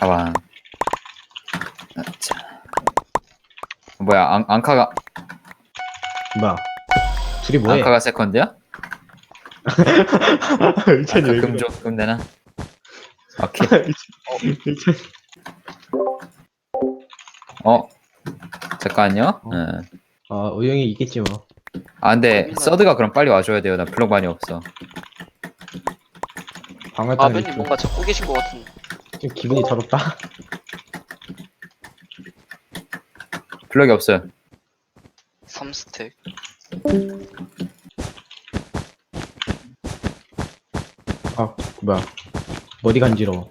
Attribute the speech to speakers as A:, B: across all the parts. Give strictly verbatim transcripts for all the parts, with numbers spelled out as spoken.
A: 가봐. 자, 뭐야? 앙, 앙카가
B: 뭐야? 둘이 뭐해?
A: 앙카가 세컨드야?
B: 일찬이
A: 앙카
B: 왜 그래?
A: 금조 금 되나? 오케이.
B: 일찬.
A: 어 잠깐요.
B: 어?
A: 응.
B: 아, 우영이 있겠지 뭐.
A: 아 근데 서드가 그럼 빨리 와줘야 돼요. 나 블록 많이 없어.
B: 방을 따는
C: 아버님 뭔가 잡고 계신 것 같은.
B: 좀 기분이 더럽다.
A: 블록이 없어요.
C: 삼 스택.
B: 아, 뭐야? 머리 간지러워.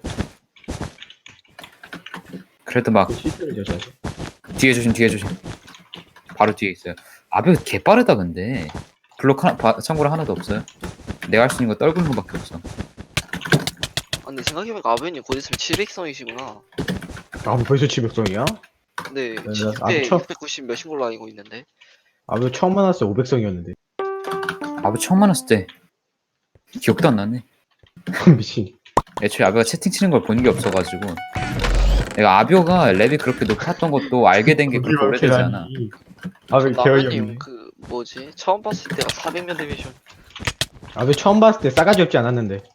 A: 그래도 막
B: 실수를 저지하지.
A: 뒤에 조심 뒤에 조심. 바로 뒤에 있어요. 아베 개 빠르다 근데. 블록 하나 바, 참고로 하나도 없어요. 내가 할 수 있는 거 떨구는 거밖에 없어.
C: 아, 근데 생각해보니까 아버님 곧 있으면 칠백성이시구나.
B: 아, 벌써 칠백성이야?
C: 근데
B: 나-
C: 칠
B: 아,
C: 백
B: 쳐.
C: 육백구십 몇인 걸로 알고 있는데.
B: 아, 왜 처음 만났을 때 오백성이었는데.
A: 아베 처음 만났을 때 기억도 안 나네.
B: 미친.
A: 애초에 아베가 채팅 치는 걸 본 게 없어가지고 내가 아비오가 랩이 그렇게 높았던 것도 알게 된 게 그렇게 오래되지 않아.
B: 아, 왜 개어이
C: 아버님
B: 없네.
C: 그 뭐지? 처음 봤을 때가 사백면 데미션.
B: 아, 왜 처음 봤을 때 싸가지 없지 않았는데.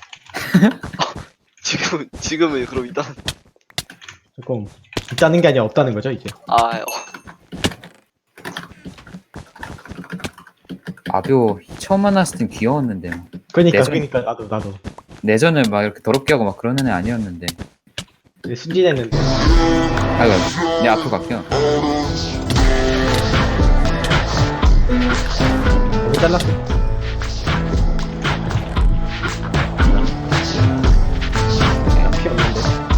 C: 지금 지금은 그럼 일단
B: 조금 있다는 게 아니라 없다는 거죠, 이제.
C: 아 어,
A: 아비오 처음 만났을 땐 귀여웠는데 뭐.
B: 그러니까,
A: 내전-
B: 그러니까 나도 나도.
A: 내전을 막 이렇게 더럽게 하고 막 그런 애는 아니었는데.
B: 이제 순진했는데.
A: 아이고 내 앞으로 갈게요.
B: 너무 잘랐어. 필요 없는데.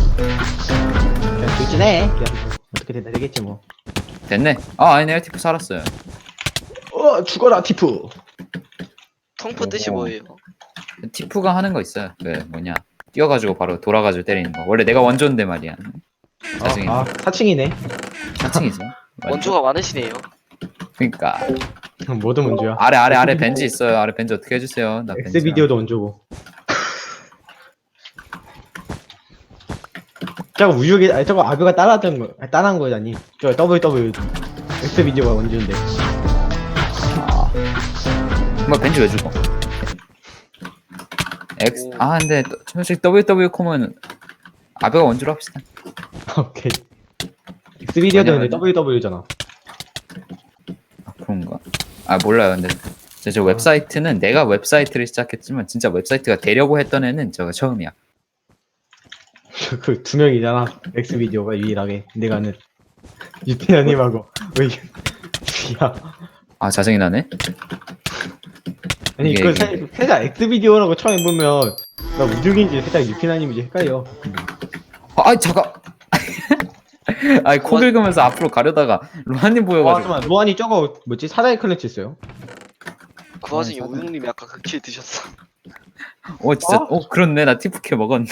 B: 그냥 돌진해. 그냥 어떻게 된다 되겠지 뭐.
A: 됐네. 아 아니네 티프 살았어요.
B: 어, 죽어라 티프.
C: 통프 뜻이
A: 어.
C: 뭐예요?
A: 티프가 하는 거 있어요. 그 뭐냐 뛰어가지고 바로 돌아가지고 때리는 거. 원래 내가 원조인데 말이야. 나중에
B: 아, 아, 사칭이네.
A: 사칭이죠.
C: 원조가 많으시네요.
A: 그러니까
B: 뭐든 원조야.
A: 아래 아래 아래 벤지 있어요. 아래 벤지 어떻게 해주세요. 나
B: 엑스
A: 벤지.
B: 비디오도 원조고. 저거 우유기, 아니 저거 아뷰가 따라하던 거, 아니, 따라한 거잖니. 저 더블유 더블유 엑스 비디오가 원조인데.
A: 뭐 벤지 왜 죽어? X
C: 오.
A: 아 근데 또- 솔직히 더블유 더블유 콤은 아베가 원조로 합시다.
B: 오케이. 엑스 비디오도 근데
A: 왜냐면-
B: 더블유 더블유잖아.
A: 아, 그런가? 아 몰라요. 근데 저, 저 웹사이트는 내가 웹사이트를 시작했지만 진짜 웹사이트가 되려고 했던 애는 저가 처음이야.
B: 그 두 명이잖아. 엑스 비디오가 유일하게 내가 아는 유태현님하고 왜 야.
A: 아 짜증이 나네.
B: 아니
A: 이게-
B: 그
A: 이게-
B: 살짝 엑스 비디오라고 처음 보면 나 우중인지 살짝 유피나님인지 헷갈려.
A: 아 아이, 잠깐. 아이 코 긁으면서 앞으로 가려다가 로한님
B: 와
A: 보여가지고.
B: 잠깐만 로안이 저거 뭐지 사다리 클래치 있어요?
C: 그 와중에
A: 아,
C: 우영님이 아까 그 킬 드셨어.
A: 어 진짜
B: 어?
A: 어 그렇네. 나 티프케 먹었네.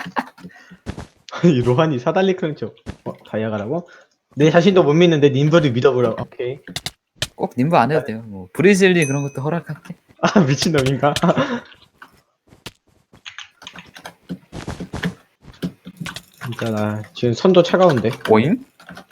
B: 아니 로안이 사다리 클래치 어, 다이아가라고? 내 자신도 못 믿는데 님들을 믿어보라. 오케이.
A: 꼭 님부 안 해도 돼요. 뭐 브리즐리 그런 것도 허락할게.
B: 아 미친놈인가? 진짜 나 지금 손도 차가운데.
A: 오잉?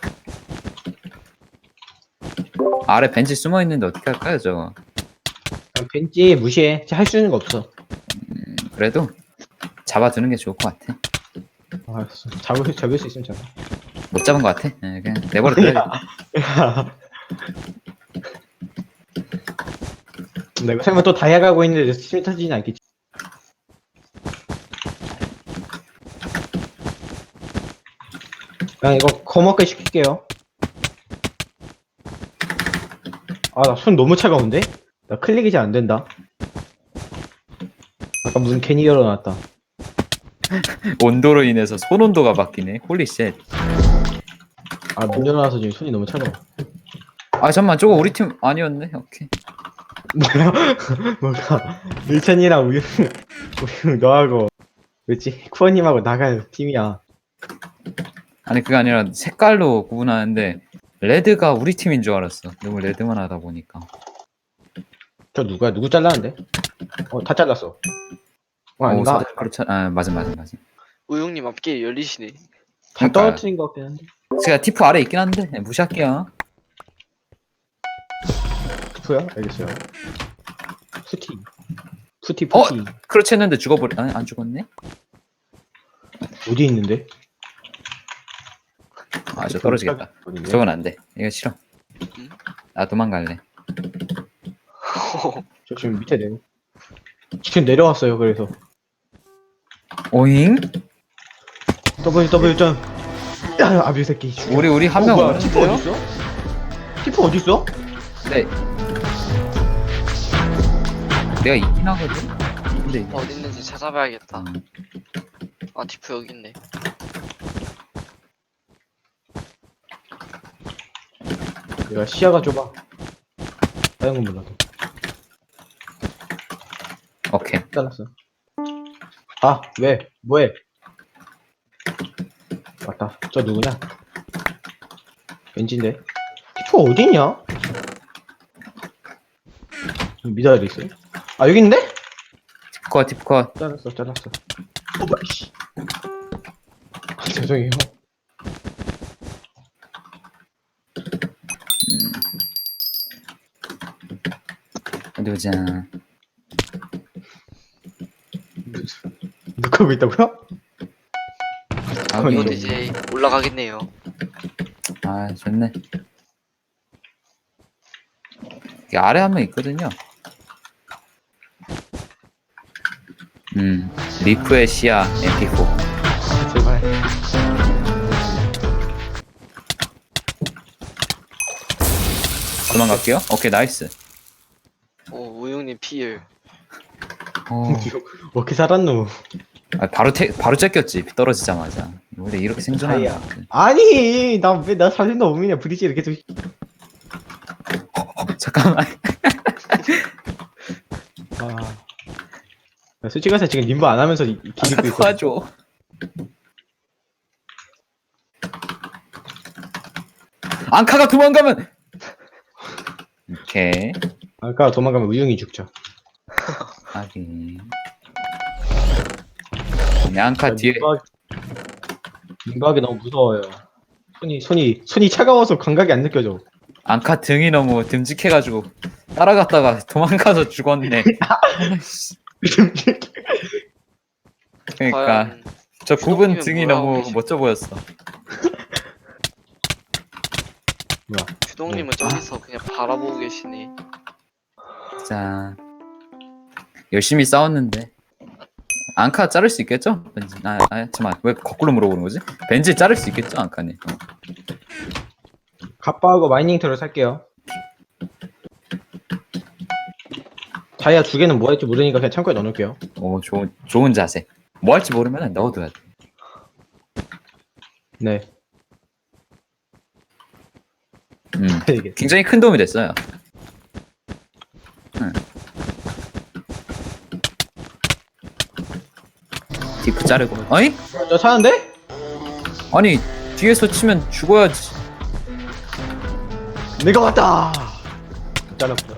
A: 아래 벤치 숨어 있는데 어떻게 할까요, 저거?
B: 그냥 벤치 무시해. 할 수 있는 거 없어.
A: 그래도 잡아두는 게 좋을 것 같아.
B: 아, 알았어. 잡을 잡을 수 있으면 잡아.
A: 못 잡은 것 같아. 네, 그냥 내버려 둬야겠다.
B: 내가 설마 또 다이아 가고 있는데 스팀이 터지진 않겠지? 그냥 이거 거먹게 시킬게요. 아, 나 손 너무 차가운데? 나 클릭이 잘 안 된다. 아까 문 괜히 열어놨다.
A: 온도로 인해서 손 온도가 바뀌네. 홀리 쉣.
B: 아, 문 열어놔서 지금 손이 너무 차가워.
A: 아 잠만 저거 우리 팀 아니었네. 오케이.
B: 뭐야? 뭐가? 일천이랑 우유, 우유 너하고, 뭐지? 쿠어님하고 나갈 팀이야.
A: 아니 그게 아니라 색깔로 구분하는데 레드가 우리 팀인 줄 알았어. 너무 레드만 하다 보니까.
B: 저 누구야? 누구 잘랐는데? 어, 다 잘랐어. 어,
A: 오,
B: 아닌가?
A: 사다리 차... 아 맞아 맞아 맞아.
C: 우용님 앞길 열리시네.
B: 다
A: 그러니까요.
B: 떨어뜨린 것 같긴 한데.
A: 제가 티프 아래 있긴 한데 네, 무시할게요.
B: 푸야? 알겠어요. 푸티. 푸티
A: 어?
B: 푸티.
A: 크로치 했는데 죽어버리 아니 안 죽었네?
B: 어디 있는데?
A: 아 저 떨어지겠다.
B: 어딘데?
A: 저건 안돼. 이거 싫어.
C: 응?
A: 나 도망갈래.
B: 저 지금 밑에 내려. 지금 내려왔어요. 그래서
A: 오잉?
B: W W 점. 야, 아비 새끼.
A: 우리 우리 한 명
B: 뭐야? 티프
A: 오는데요?
B: 어디 있어? 티프 어디 있어?
A: 네. 내가 있긴 하거든. 근데
C: 어디 있는지 찾아봐야겠다.
A: 음,
C: 아 디프 여기 있네.
B: 내가 시야가 좁아. 다른 건 몰라도.
A: 오케이.
B: 잘랐어. 아, 왜? 뭐해? 맞다. 저 누구냐? 왠지인데. 티프 어디냐? 미다리 있어요? 아, 여기 있는데?
A: 티프컷 티프컷.
B: 잘랐어, 잘랐어. 어, 뭐야, 씨. 아, 죄송해요.
A: 어디 보자.
B: 누가 하고 있다고요?
A: 아,
B: 아니,
C: 이건
B: 좀-
C: 이제 올라가겠네요.
A: 아 좋네. 여기 아래 한 명 있거든요. 음 리프의 시야 엠피포.
B: 제발.
A: 도망갈게요. 오케이 나이스.
C: 오 우용님 피일.
A: 어,
B: 어떻게 살았노?
A: 아, 바로 태, 바로 째꼈지 떨어지자마자. 원래 이렇게 생존하는
B: 아이야.
A: 거 같아.
B: 아니, 나 왜 나 살린다 오미냐 브리지를 계속.
A: 잠깐만.
B: 아. 나 솔직히 말해서 지금 님부 안 하면서 이- 이 길 입고 있어.
A: 도와줘. 앙카가 도망가면. 오케이.
B: 아까 도망가면 우영이 죽죠.
A: 하긴. 앙카 뒤에.
B: 민박이 너무 무서워요. 손이 손이 손이 차가워서 감각이 안 느껴져.
A: 앙카 등이 너무 듬직해가지고 따라갔다가 도망가서 죽었네. 아이씨. 그러니까
C: 과연
A: 저 굽은
C: 주동님은
A: 등이
C: 뭐라고
A: 너무
C: 계시-
A: 멋져 보였어.
B: 뭐야?
C: 주동님은 저기서 그냥 바라보고 계시네.
A: 자 열심히 싸웠는데 앙카 자를 수 있겠죠? 벤지 아, 아 잠깐만 왜 거꾸로 물어보는 거지? 벤지 자를 수 있겠죠 앙카님? 어.
B: 갑바하고 마이닝 털을 살게요. 다이아 두 개는 뭐 할지 모르니까 그냥 창고에 넣어놓을게요.
A: 오 좋은 좋은 자세. 뭐 할지 모르면 넣어둬야 돼.
B: 네.
A: 음
B: 이게
A: 굉장히 큰 도움이 됐어요. 응. 디프 자르고 아니?
B: 저 사는데?
A: 아니 뒤에서 치면 죽어야지.
B: 내가 왔다. 잘랐어요.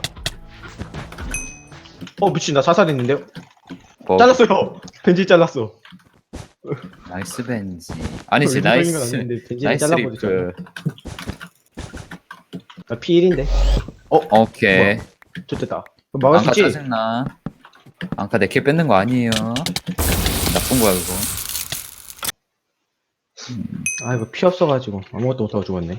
B: 어 미친 나 사살했는데요?
A: 뭐,
B: 잘랐어요. 벤지 잘랐어.
A: 나이스 벤지. 아니지
B: 어, 건
A: 나이스
B: 아닌데 벤지는
A: 나이스
B: 잘라버리죠.
A: 리프.
B: 나 피 일인데.
A: 오케이.
B: 좋됐다. 막을 수
A: 앙카
B: 있지?
A: 짜증나. 앙카 내 킬 뺏는 거 아니에요. 나쁜 거야 그거.
B: 아 이거 피 없어가지고 아무것도 못하고 죽었네.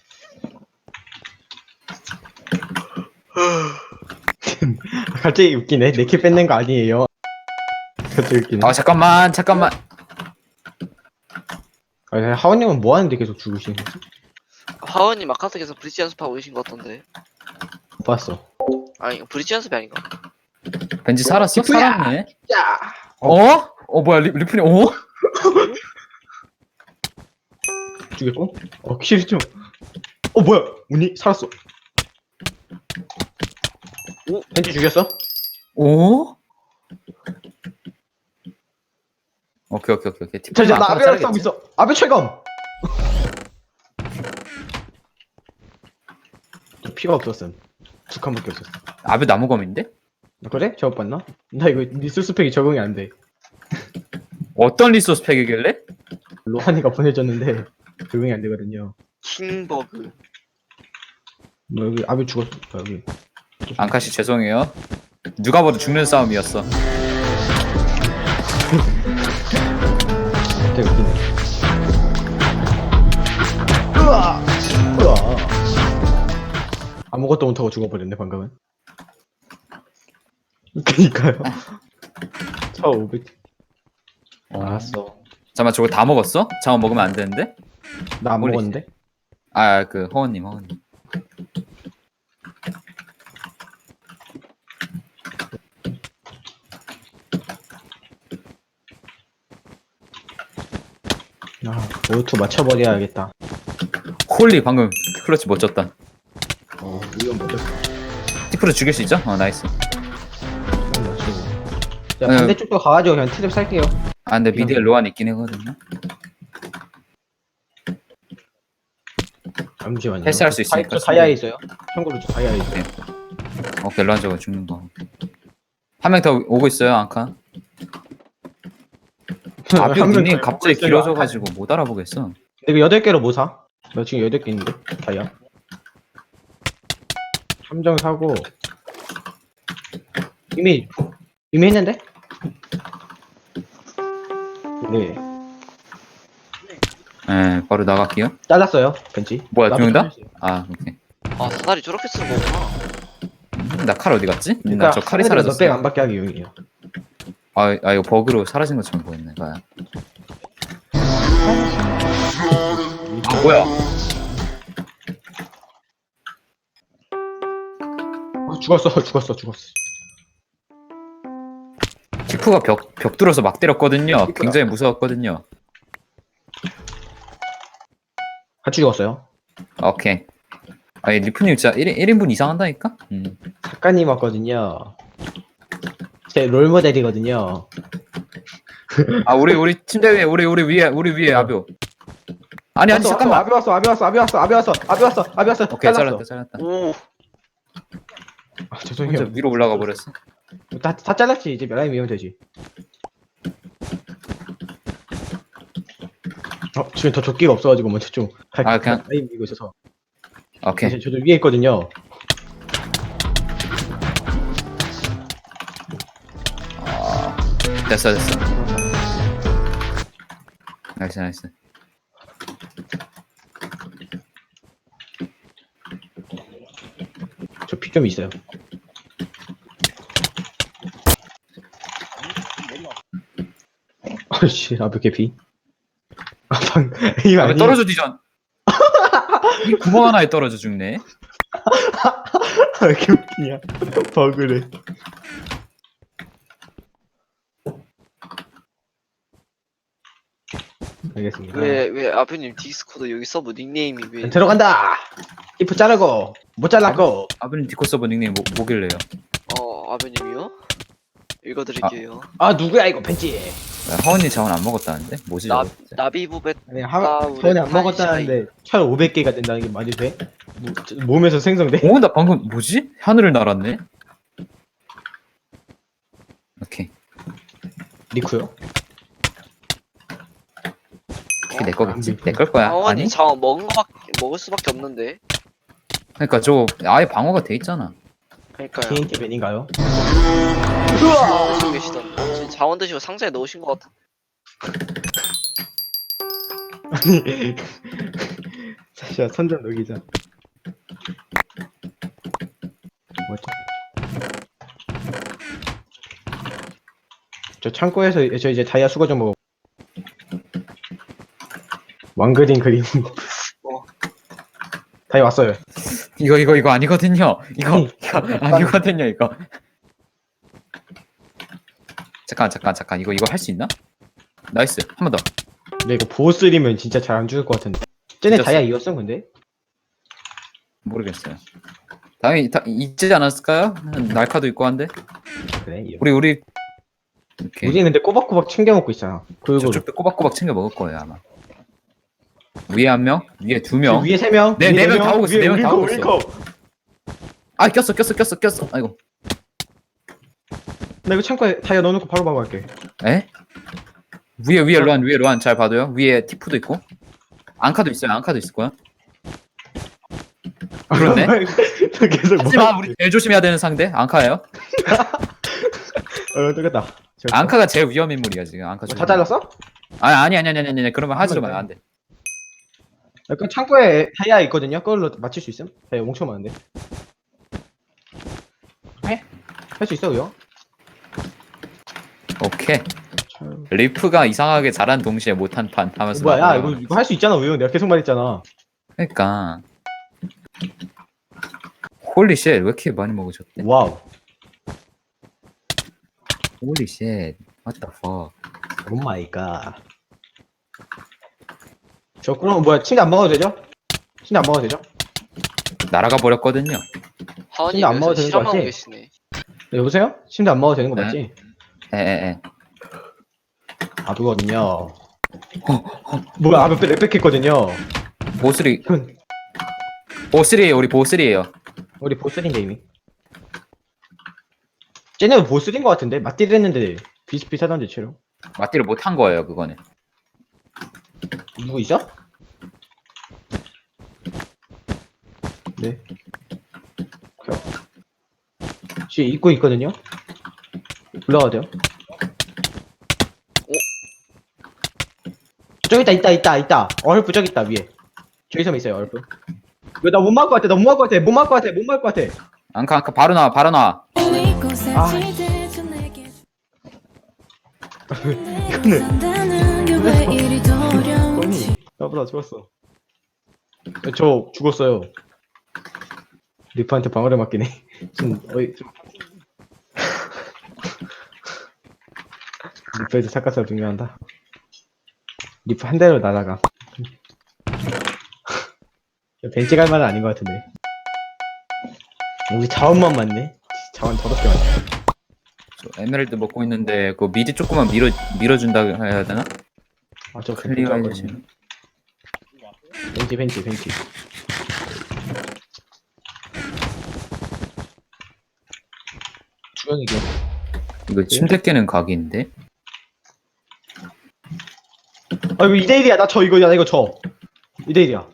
B: 갑자기 웃기네. 내 킬 뺏는 거 아니에요. 갑자기 웃기네.
A: 아 잠깐만 잠깐만.
B: 아니, 하원님은 뭐 하는데 계속 죽으시는 거지?
C: 하원님 아카트에서 브릿지 연습하고 계신 것 같던데.
B: 못 봤어.
C: 아니 이거 브릿지 연습이 아닌가?
A: 벤지 살았어?
B: 디프야!
A: 살았네.
B: 야!
A: 어? 어 뭐야 리, 리플이 어?
B: 죽였고? 어, 킬 좀. 어, 뭐야? 운이 살았어. 오, 벤지 죽였어?
A: 오? 오케이 오케이 오케이 오케이.
B: 자, 자, 나
A: 아까랑
B: 아베랑
A: 자르겠지?
B: 싸우고 있어. 아베 최검! 저 피가 없었음. 두 칸밖에 없었어.
A: 아베 나무검인데?
B: 아, 그래? 저거 봤나? 나 이거 리소스 팩이 적응이 안 돼.
A: 어떤 리소스 팩이길래?
B: 로한이가 보내줬는데 적응이 안 되거든요.
C: 킹버그.
B: 뭐 여기 아비 죽었어. 뭐 여기.
A: 앙카씨 죄송해요. 누가 봐도 죽는 싸움이었어.
B: 되게 웃기네. 으아! 으아! 아무것도 못하고 죽어버렸네 방금은. 그니까요. 차 오백. 알았어.
A: 잠깐만 저거 다 먹었어? 잠깐 먹으면 안 되는데?
B: 나 안
A: 몰리-
B: 먹었는데?
A: 아 그 허원님 허원님.
B: 아, 오투 맞춰버려야겠다.
A: 홀리 방금 클러치 멋졌다.
B: 어, 이건 뭐죠?
A: 티프로 죽일 수 있죠? 어 나이스.
B: 이건 맞추고. 자,
A: 네.
B: 반대쪽도 가가지고 그냥 트랩 살게요.
A: 아 근데 미디에 로안 있긴 하거든요.
B: 잠시만요.
A: 패스할 수 있으니까
B: 저 다이아에 있어요. 참고로 저 다이아에 있어요.
A: 오케이 로안 저거 죽는 거. 한 명 더 오고 있어요 앙카. 아비오
B: 한
A: 닉네임
B: 명
A: 갑자기
B: 있어요.
A: 길어져가지고 못 알아보겠어.
B: 근데 이거 여덟 개로 뭐 사? 나 지금 여덟 개 있는데 다이아. 함정 사고 이미 이미 했는데? 네.
A: 네 바로 나갈게요.
B: 잘랐어요 벤치.
A: 뭐야,
B: 나도
A: 두 명 다?
B: 잘랐어요.
A: 아 오케이.
C: 아 사다리 저렇게 쓰는 거구나.
A: 나 칼 어디 갔지?
B: 그러니까
A: 나 저 칼이
B: 너백
A: 사라졌어.
B: 안 받게 하기 용이에요.
A: 아, 아 이거 버그로 사라진 것처럼 보였네. 봐요. 아 뭐야?
B: 아, 죽었어 죽었어 죽었어.
A: 티프가 벽, 벽 뚫어서 막 때렸거든요.
B: 티프가.
A: 굉장히 무서웠거든요.
B: 같이 죽었어요.
A: 오케이. 아니 리프님 진짜 일, 일 인분 이상 한다니까? 음.
B: 작가님 왔거든요. 제 롤모델이거든요.
A: 아 우리 우리 침대 위에 우리 우리 위에 우리 위에 아비오. 아니 아니
B: 왔어,
A: 잠깐만.
B: 왔어, 아비 왔어 아비 왔어 아비 왔어 아비 왔어 아비 왔어 아비 왔어.
A: 오케이
B: 잘랐어.
A: 잘랐다 잘랐다.
C: 오.
B: 아,
A: 혼자
B: 죄송해요.
A: 위로 올라가 버렸어.
B: 다, 다 잘랐지 이제 라인 미우면 되지. 어 지금 더 조끼가 없어가지고 먼저 좀 갈-
A: 아, 그냥-
B: 라인 미고 있어서.
A: 오케이.
B: 이제 저도 위에 있거든요.
A: 아, 됐어 됐어. 나이스 나이스.
B: 저 피 좀 있어요. 아씨 아비 개피. 아방 이거
A: 아, 왜
B: 아니.
A: 떨어져 뒤전. 이 구멍 하나에 떨어져 죽네.
B: 왜 이렇게 웃기냐? 버그래. 알겠습니다.
C: 왜 왜 아버님 디스코드 여기 서브 닉네임이 왜?
B: 들어간다. 이프 자르고 못 잘랐고.
A: 아버님 디코 서버 닉네임 뭐, 뭐길래요?
C: 어 아버님이요? 읽어드릴게요.
B: 아 누구야 이거 벤치.
A: 하원님 자원 안 먹었다는데? 뭐지
C: 나
A: 저거 진짜?
C: 나비부벳
B: 아니
C: 아,
B: 하
C: 우리
B: 전에 안
C: 파이샤이.
B: 먹었다는데 천 오백 개가 된다는 게 말이 돼? 뭐, 저- 몸에서 생성돼?
A: 오, 나 방금 뭐지? 하늘을 날았네? 오케이.
B: 리쿠요?
A: 이게 내 거겠지? 내 걸 거야.
C: 아원이
A: 아니?
C: 자원 먹은 거밖에 먹을 수밖에 없는데.
A: 그러니까 저거 아예 방어가 돼 있잖아.
C: 그러니까요.
B: 개인기 벤인가요?
C: 자원 드시고 계시던데. 지금 자원 드시고 상자에 넣으신 것 같아.
B: 아니 자 선전 녹이자. 뭐지? 저 창고에서 저 이제 다이아 수거 좀 먹어. 왕그린 그림.
C: 어.
B: 다이아 왔어요.
A: 이거 이거 이거 아니거든요. 이거
B: 아니,
A: 이거 아니거든요. 이거. 잠깐 잠깐 잠깐 이거 이거 할 수 있나? 나이스 한 번 더.
B: 근데 이거 보스리면 진짜 잘 안 죽을 것 같은데. 쟤네
A: 진짜
B: 다이아
A: 쎄.
B: 이었어 근데?
A: 모르겠어요. 당연히 다 있지 않았을까요? 날카도 있고 한데.
B: 그래. 이어.
A: 우리 우리 이렇게
B: 우리 근데 꼬박꼬박 챙겨 먹고 있잖아. 그리고
A: 저쪽도 꼬박꼬박 챙겨 먹을 거예요 아마. 위에 한 명, 위에 두 명.
B: 위에 세 명.
A: 네,
B: 위에
A: 네
B: 네
A: 명다 오고 있어,
B: 위에
A: 네명다
B: 올리고,
A: 오고 있어.
B: 올리고.
A: 아 꼈어 꼈어 꼈어 꼈어. 아이고.
B: 나 이거 창고에 다이아 넣어놓고 바로 바로 갈게.
A: 에? 위에 위에 로안 위에 로안 잘 봐도요. 위에 티프도 있고 앙카도 있어요. 앙카도 있을 거야. 그렇네.
B: 계속 뭐
A: 하지만 우리 제일 조심해야 되는 상대 앙카예요.
B: 어 뜨겠다.
A: 앙카가 제일 위험 인물이야 지금. 앙카
B: 다 잘랐어?
A: 아니 아니 아니 아니 아니 아니 그러면 하지
B: 한번
A: 마요
B: 더.
A: 안 돼.
B: 약간 창고에 다이아 있거든요. 그걸로 맞출 수 있음? 다이아 엄청 많은데. 해? 할 수 있어 그요?
A: 오케이. 리프가 이상하게 잘한 동시에 못한 판 하면서.
B: 뭐야? 야
A: 막
B: 이거 이거 할 수 있잖아 우영. 내가 계속 말했잖아.
A: 그러니까. 홀리 쉣, 왜 이렇게 많이 먹으셨대?
B: 와우.
A: 홀리 쉣, what the fuck.
B: 오 마이 갓. 저 그럼 뭐야? 침대 안 먹어도 되죠? 침대 안 먹어도 되죠?
A: 날아가 버렸거든요.
C: 하은이
B: 진짜 안 먹어도
C: 그래서
B: 되는 거
C: 실험하고
B: 맞지?
C: 계시네.
B: 네, 여보세요? 침대 안 먹어도 되는 거
A: 네.
B: 맞지?
A: 에에에.
B: 아부거든요. 뭐야? 아부 랩백했거든요.
A: 보스리, 보스리에요, 우리 보스리에요.
B: 우리 보스인데 이미. 쟤네도 보스인 거 같은데? 맞디를 했는데 비슷비슷하던데 채로.
A: 맞디를 못한 거예요, 그거는.
B: 누구 있어? 네. 뒤에 입고 있거든요. 올라가도 돼요?
C: 오.
B: 저기 있다 있다 있다 있다. 얼프 저기 있다 위에. 저기서 있어요 얼프. 왜 나 못 막을 것 같아? 나 못 막을 것 같아? 못 막을 것 같아? 못 막을 것 같아?
A: 앙카, 앙카, 바로 나와, 바로 나와.
B: 아. 이거는 아니 나보다 죽었어. 저 죽었어요. 리프한테 방어를 맞긴 해. 좀 어이 좀. 리프에서 착각사가 중요한다. 리프 한 대로 날아가. 벤치 갈 만은 아닌 것 같은데. 우리 자원만 맞네. 자원 더럽게 많네.
A: 저 에메랄드 먹고 있는데, 그 미리 조금만 밀어, 밀어준다 해야 되나?
B: 아저
A: 클리어
B: 벤치
A: 해주시
B: 벤치 벤치 벤치. 주영이게.
A: 이거 침대 깨는 각인데?
B: 아 이거 이 대 일이야. 나 저 이거 나 이거 저. 이 대 일이야.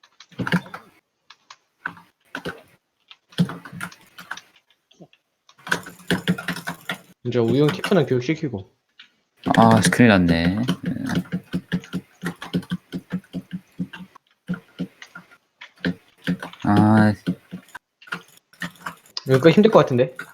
B: 이제 우영 키프는 교육시키고.
A: 아, 큰일 났네. 아,
B: 이거 힘들 것 같은데?